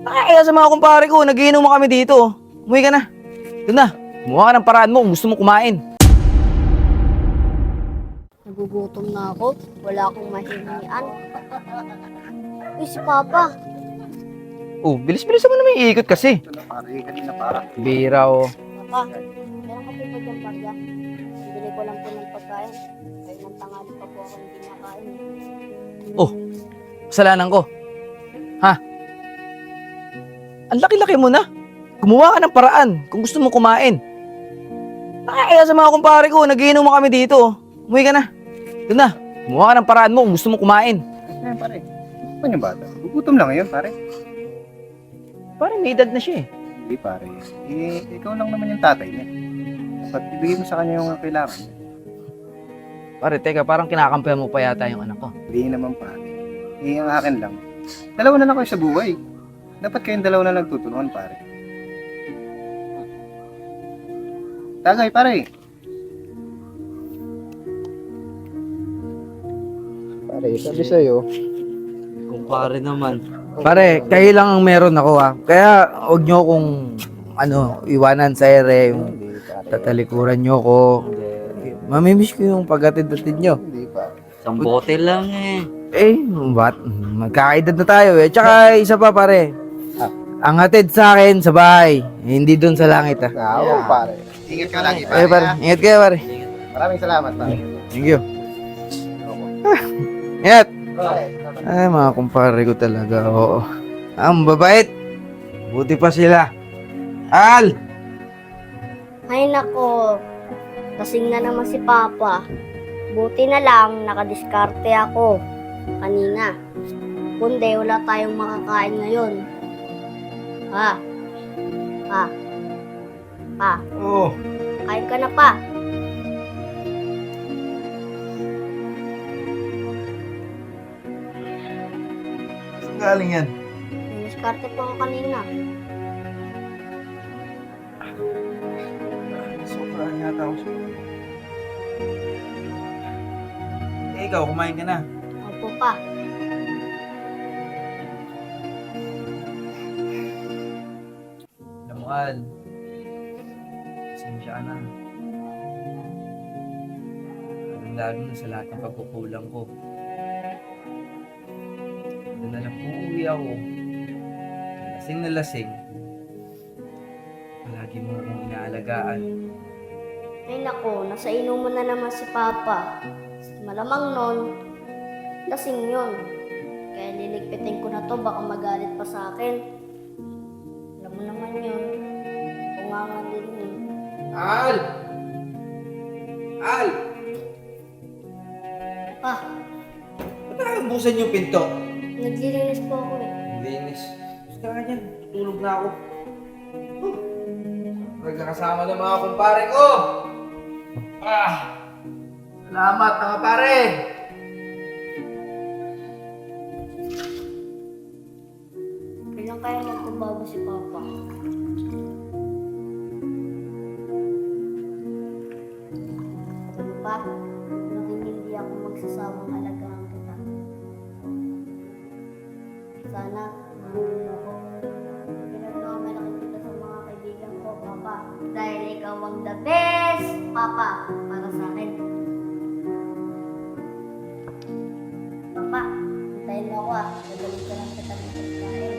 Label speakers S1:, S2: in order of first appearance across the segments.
S1: Kaya sa mga kumpare ko, nagiinom kami dito. Umuwi ka na. Doon na. Kumuha ka ng paraan mo kung gusto mo kumain.
S2: Nagugutom na ako. Wala akong mahingian. Uy, si Papa.
S1: Oh, bilis-bilis mo naman iikot kasi.
S3: Pare, kanina para.
S1: Bira oh.
S2: Papa, meron ka po ba dyan, Parga? Bili ko lang po ng pagkain. Kahit ng tangali pa po ako hindi nakain.
S1: Oh, kasalanan ko. Ha? Ang laki-laki mo na. Gumawa ka ng paraan kung gusto mo kumain. Kaya sa mga kumpare ko, nagiinom kami dito. Umuwi ka na. Doon na. Gumawa ka ng paraan mo kung gusto mo kumain.
S3: Eh, pare. Ano yung bata? Gugutom lang ngayon, pare.
S1: Parang may edad na siya eh.
S3: Hindi, pare. Eh, ikaw lang naman yung tatay niya. Dapat ibigay mo sa kanya yung kailangan niya.
S1: Pare, teka, parang kinakampihan mo pa yata yung anak ko.
S3: Hindi naman, pare. Eh, ang akin lang. Dalawa na lang kayo sa buhay. Dapat kayong dalawa na lang tutulungan, pare. Tagay, pare. Pare, sabi sa'yo.
S1: Kumpare naman. Pare, kayo lang ang meron ako ha. Kaya huwag nyo kong iwanan sa ere, yung
S3: Hindi, pare.
S1: tatalikuran nyo ko. Mamimiss ko yung paghatid-hatid nyo.
S3: Hindi, pare.
S4: Isang bote lang eh.
S1: Eh, what? Magkakaedad na tayo eh. Tsaka isa pa pare. Ang hatid sa akin sa bahay, hindi doon sa langit ha.
S3: Oo, pare. Ingat ka lagi, pare.
S1: Eh pare, ingat kayo pare.
S3: Maraming salamat, pare.
S1: Thank you. Ingat! Ay, mga kumpare ko talaga, oo. Ang babait. Buti pa sila. Al!
S2: Ay nako, kasing na naman si Papa. Buti na lang nakadiskarte ako kanina. Kundi wala tayong makakain ngayon. Pa. Pa. Pa.
S1: Oo.
S2: Kain ka na pa.
S1: Saan galing yan?
S2: Diskarte po ako kanina.
S1: Sobrang yata ako sa'yo. Eh, ikaw, kumain ka na.
S2: Opo pa.
S1: Alam mo, Al. Pasensya ka na. Lalo na sa lahat ng pagkukulang ko. Doon na lang uuwi ako. Lasing na lasing. Palagi mo akong inaalagaan.
S2: Ay nako, nasa inuman na naman si Papa. Malamang nun, lasing yun. Kaya liligpitin ko na to, baka magalit pa sa akin. Alam mo naman yun. Tungangan din yun.
S1: Al! Al!
S2: Pa,
S1: Ba't nakabusan yung pinto?
S2: naglilinis po ako eh.
S1: Linis. Gusto ka yan. Tutulog na ako. Nagkakasama ng mga kumpare ko. Salamat mga pare.
S2: Kailan kaya magpabago si Papa? Ano pa? Naging hindi ako magsasawang alagaan kita. Sana, mahulog ako. Pinagmamalaki kita sa mga kaibigan ko, Papa. Dahil ikaw ang the best, Papa, para sa akin. Papa, hintayin mo ako ah. Nagalit ka lang kita ng pagkain.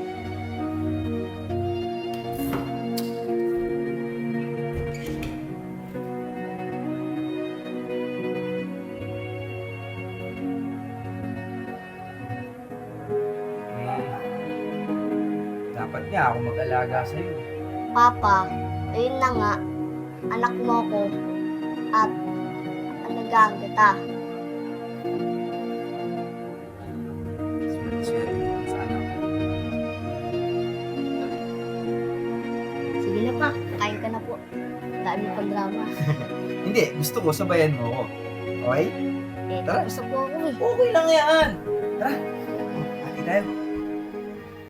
S1: Dapat nga ako mag-alaga sa'yo.
S2: Papa, ayun na nga, anak mo ko at alagaan kita.
S1: Swerte mo sa anak ko.
S2: Sige na pa, kain ka na po. Dami pang drama.
S1: Hindi, gusto ko sabayan mo ako. Okay?
S2: Eh,
S1: Tara.
S2: gusto po ako eh.
S1: Okay lang yan. Tara. Hati tayo.